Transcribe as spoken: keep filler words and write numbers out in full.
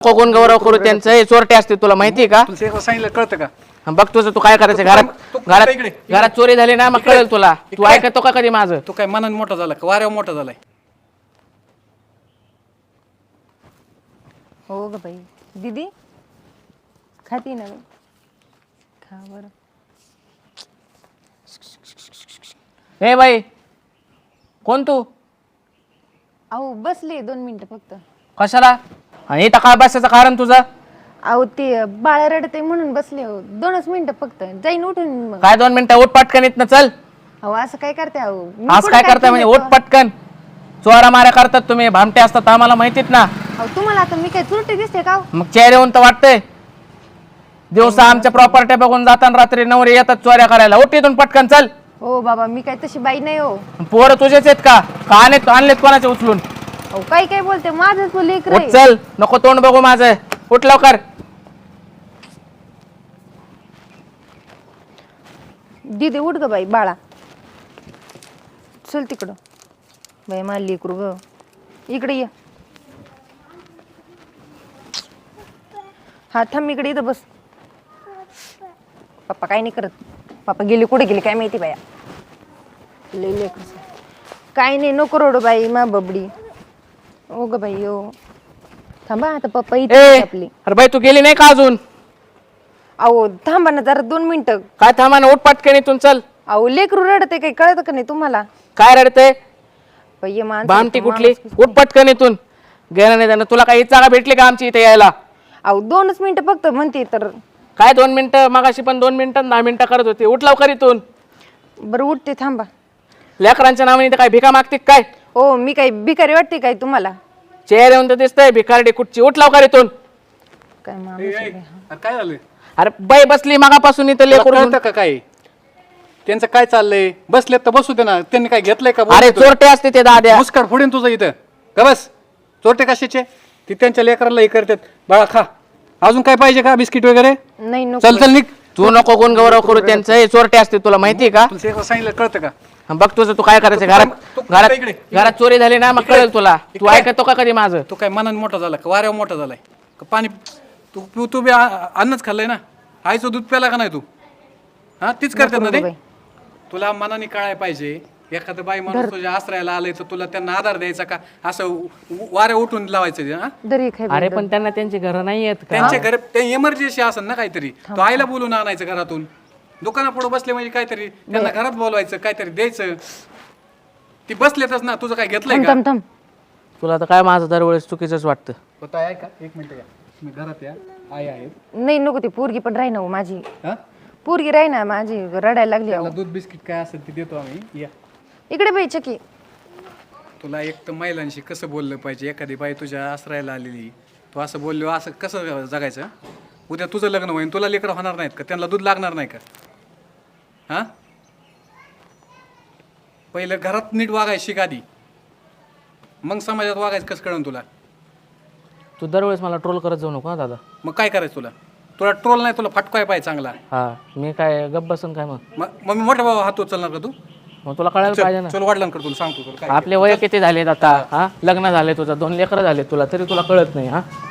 कोण गौरव करू त्यांचं हे चोरटे असते तुला माहिती आहे का? तुला सांगितलं कळतं का? बघ तुझं तू काय करायचं घरात घरात घरात चोरी झाली ना मग कळेल तुला. तू ऐकतो का कधी माझं? तू काय मनाने मोठा झाला का वाऱ्यावर मोठा झालाय? हो ग बाई. दीदी खाती ना खा बरं. हे बाई कोण तू? अहो बसले दोन मिनिटं फक्त. कशाला? आणि इथं काय बसायचं कारण तुझं? अहो ते बाळ रडते म्हणून बसले हो. दोनच मिनिटं फक्त जाईन उठून मग. काय दोन मिनिटं उठ पटकन इथनं चल. अहो असं काय करते अहो? मी आज कुठं काय करताय म्हणजे केलंय उठ पटकन. चोरा माऱ्या करतात तुम्ही भामटे असतात आम्हाला माहितीत ना. अहो तुम्हाला आता मी काय चुरटी दिसते का हो? मग चेहऱ्याहून तर वाटतंय. दिवसा आमच्या प्रॉपर्टी बघून जाताना रात्री नवरे येतात चोऱ्या करायला. उठ इथून पटकन चल. हो बाबा मी काय तशी बाई नाही हो. पोरं तुझेच आहेत का? का आणलेत आणलेत कोणाचे उचलून? अहो काय काय बोलते माझंच लेकर उठ चल. नको तोंड बघू माझं. उठ लवकर. दीदी उठ ग बाई बाळा. चल तिकडं. बाई मला लेकरू ग. इकडे ये. हा थांब इकडे इथं बस. पप्पा काय नाही करत. पप्पा गेले कुठे गेले काय माहिती बाया. लई लेकर काय नाही नको रडू बाई मा बबडी. ओ ग बाई ओ. थांबा आता पप्पा इथे ए आपली. अरे बाई तू गेली नाही का अजून? अहो थांबा ना जरा दोन मिनिटं. काय थांबा ना उठ पटकन इथून चल. अहो लेकरू रडते काही कळत का नाही तुम्हाला? काय रडते? बाई माणसं भामटी माणूस कुठली? किती- उठ पटकन इथून. गेला नाही त्यानं. तुला काही जागा भेटली का आमची इथे यायला? अहो दोनच मिनिटं फक्त म्हणते तर. काय दोन मिनिटं? मगाशी पण दोन मिनिटं दहा मिनिटं करत होती. उठ लवकर इथून. बरं उठते थांबा. लेकरांच्या नावाने इथं काय भिका मागते काय? हो मी काही भिकारी वाटते काय तुम्हाला? चेहरे येऊन तर दिसतंय भिकारडी कुठची. उठ लवकर इथून. काय माणूस ए, आहे ए, बाई. अरे काय झालं? अरे बाई बसली मगापासून इथं तुला लेकरू. कळतं का काय त्यांचं काय चाललंय? बसलेत तर बसू दे ना. त्यांनी काय घेतलंय का? अरे चोरटे असते ते दाद्या. मुस्काट फोडीन तुझं इथं का? बस चोरटे कशाचे? ती त्यांच्या लेकराला हे करतात. बाळा खा. अजून काय पाहिजे का? बिस्किट वगैरे? नाही नको चल चल निघ. तू नको कोण गौरव करू त्यांचं हे चोरटे असते तुला माहिती आहे का? तुला सांगितलं कळतं का? हा, बघ तुझं तू काय करायचं घरात तू- तू- घरात इकडे- इकडे. घरात चोरी झाली ना मग कळेल तुला. तू इकडे. ऐकतो का कधी माझं? तू काय मनाने मोठा झाला का वाऱ्यावर मोठा झालाय का? पाणी तू तू तू बी आ- अन्नच खाल्लंय ना. आईचं दूध प्याला का नाही तू? हा तीच करतात ना ते. बाई. तुला मनाने कळाय पाहिजे. एखादं बाई माणूस तुझ्या आश्रयाला आलंय तर तुला त्यांना आधार द्यायचा का? असं उ- वाऱ्या उठून लावायचं ते, हा? दरी खाय अरे पण त्यांना त्यांची घरं नाही आहेत का? त्यांच्या घरी ते इमर्जन्सी असेल ना काहीतरी. तो आईला बोलून आणायचं घरातून. दुकानापुढे बसले म्हणजे काहीतरी त्यांना घरात बोलवायचं काहीतरी द्यायचं. ती बसलेतच ना. तुझं काय घेतलंय थांब का? थांब थांब. तुला तर काय माझं दरवेळेस चुकीचंच वाटतं. होता आहे का? एक मिनिट या. मी घरात या. आई आहेत. नाही नको ती पोरगी पण राही ना हो माझी. हा? पोरगी राही ना माझी रडायला लागली अहो. त्याला दूध बिस्किट काय असेल ते देतो आम्ही. या. इकडे बाई चकी. तुला एक तर महिलांशी कसं बोललं पाहिजे? एखादी बाई तुझ्या आश्रयाला आलेली तू असं बोललो असं कसं जगायचं? उद्या तुझं लग्न होईल तुला लेकरं होणार नाहीत का? त्यांना दूध लागणार नाही का? हां पहिलं घरात नीट वागायचं शिक आधी. मग समाजात वागायचं कसं कळण तुला? तू दरवेळेस मला ट्रोल करत जाऊ नको हा दादा. मग काय करायचं तुला? तुला ट्रोल नाही तुला फटकाय पाहिजे चांगला. हा मी काय गप्प बसून काय मग? मग मग मी मोठा भाऊ हात उचलणार का तू? मग तुला कळायला पाहिजे ना. चल वडिलांकडे तुला सांगतो तुला काय. आपले वय किती झालेत आता? हा लग्न झाले तुझं दोन लेकरं झाले तुला तरी तुला कळत नाही. हा